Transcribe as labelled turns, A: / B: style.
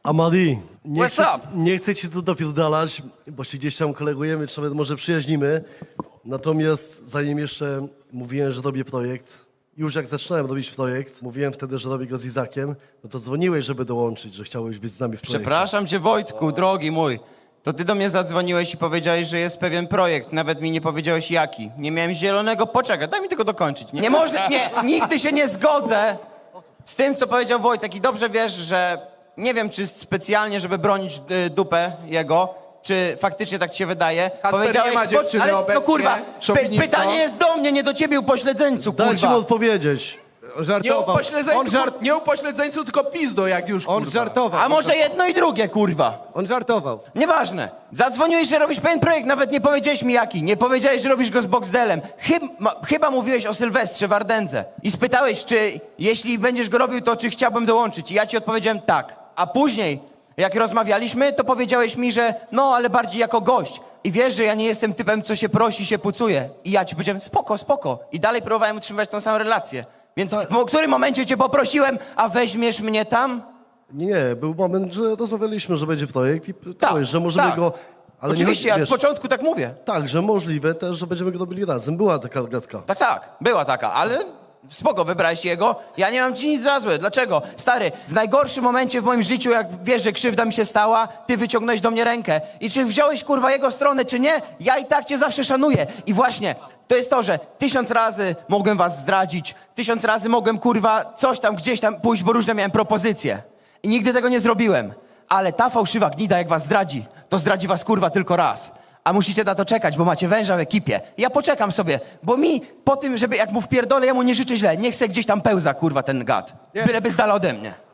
A: Amadi,
B: What's up?
A: nie chcę ci tu dopierdalać, bo się gdzieś tam kolegujemy, czy nawet może przyjaźnimy. Natomiast zanim jeszcze mówiłem, że robię projekt, już jak zaczynałem robić projekt, mówiłem wtedy, że robię go z Izakiem, no to dzwoniłeś, żeby dołączyć, że chciałeś być z nami w projekcie.
B: Przepraszam cię, Wojtku, drogi mój. To ty do mnie zadzwoniłeś i powiedziałeś, że jest pewien projekt. Nawet mi nie powiedziałeś jaki. Nie miałem zielonego. Poczekaj, daj mi tylko dokończyć. Nie można, nie, nigdy się nie zgodzę z tym, co powiedział Wojtek. I dobrze wiesz, że nie wiem, czy specjalnie, żeby bronić dupę jego, czy faktycznie tak ci się wydaje.
C: Kasper, nie ma dziewczyny
B: ale,
C: obecnie,
B: no kurwa,
C: szowinisto.
B: pytanie jest do mnie, nie do ciebie, upośledzeńcu, kurwa.
A: Dajcie mu odpowiedzieć.
C: Nie nie upośledzeńcu, tylko pizdo, jak już,
D: On
C: kurwa.
D: żartował.
B: A może jedno i drugie, kurwa.
D: On żartował.
B: Nieważne. Zadzwoniłeś, że robisz pewien projekt, nawet nie powiedziałeś mi jaki. Nie powiedziałeś, że robisz go z Boxdelem. Chyba mówiłeś o Sylwestrze w Ardence. I spytałeś, czy jeśli będziesz go robił, to czy chciałbym dołączyć. I ja ci odpowiedziałem tak. A później, jak rozmawialiśmy, to powiedziałeś mi, że no, ale bardziej jako gość. I wiesz, że ja nie jestem typem, co się prosi, się pucuje. I ja ci powiedziałem, spoko, spoko. I dalej próbowałem utrzymywać tą samą relację. Więc w którym momencie cię poprosiłem, a weźmiesz mnie tam?
A: Nie, był moment, że rozmawialiśmy, że będzie projekt i pytałeś, że możemy
B: tak.
A: go... Ale
B: Oczywiście,
A: nie,
B: ja
A: wiesz,
B: od początku tak mówię.
A: tak, że możliwe też, że będziemy go robili razem. Była taka gadka.
B: Tak, była taka, ale spoko, wybrałeś jego. Ja nie mam ci nic za złe. Dlaczego? Stary, w najgorszym momencie w moim życiu, jak wiesz, że krzywda mi się stała, ty wyciągnąłeś do mnie rękę. I czy wziąłeś, kurwa, jego stronę, czy nie, ja i tak cię zawsze szanuję. I właśnie, to jest to, że 1000 razy mogłem was zdradzić, 1000 razy mogłem, kurwa, coś tam, gdzieś tam pójść, bo różne miałem propozycje. I nigdy tego nie zrobiłem. Ale ta fałszywa gnida, jak was zdradzi, to zdradzi was, kurwa, tylko raz. A musicie na to czekać, bo macie węża w ekipie. Ja poczekam sobie, bo mi po tym, żeby jak mu wpierdolę, ja mu nie życzę źle. Nie chcę gdzieś tam pełza, kurwa, ten gad. Byleby z dala ode mnie.